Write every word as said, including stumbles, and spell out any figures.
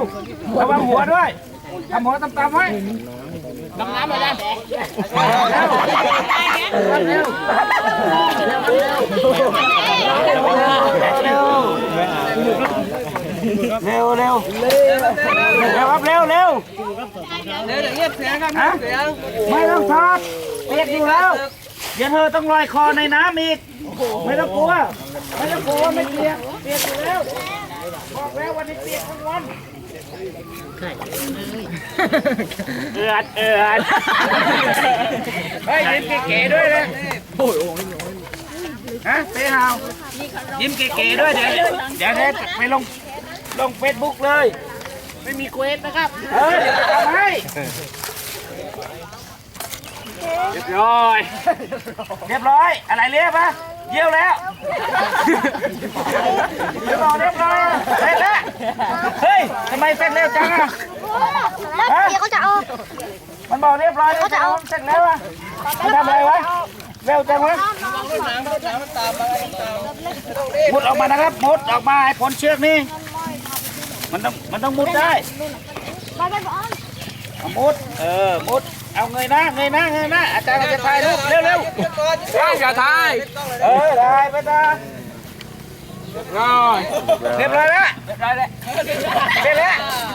ระวังหัวด้วยทำหัวต่ำๆไว้ดำน้ำไปเลยเร็วเร็วเร็วเร็วเร็วเร็วเร็วเร็วครับเร็วเร็วเร็วเดี๋ยวเงียบเสียงครับเสียงไม่ต้องทอดเปียกอยู่แล้วเดี๋ยวเธอต้องลอยคอในน้ำอีกไม่ต้องกลัวไม่ต้องกลัวไม่เปียกเปียกอยู่แล้วบอกแล้ววันนี้เปียกทั้งวันเอือดเอือดเฮ้ยยิ้มเก๋ๆด้วยเลยโอ้ยฮะเต้ฮาวยิ้มเก๋ๆด้วยเดี๋ยวเดี๋ยวเดี๋ยวไปลงลงเฟซบุ๊กเลยไม่มีเควสนะครับเฮ้ยเดี๋ยวทำให้เรียบร้อยเรียบร้อยอะไรเรียบปะเยี่ยวแล้วเรียบร้อยเรียบร้อยเสร็จแล้วเฮ้ยทำไมเสร็จเร็วจังอ่ะแล้วเดี๋ยวเขาจะเอามันบอกเรียบร้อยเขาจะเอาเสร็จแล้วอ่ะมันทำอะไรวะเร็วจังวะมุดออกมานะครับมุดออกมาไอ้ผลเชือกนี่มันต้องมันต้องมุดได้มุดเออมุดเอาเงยหน้าเงยหน้าเงยหน้าอาจารย์จะถ่ายรูปเร็วเร็วอย่าถ่ายเออถ่ายไปตาเรียบร้อยเรียบร้อยแล้วเรียบร้อยแล้วเสร็จแล้ว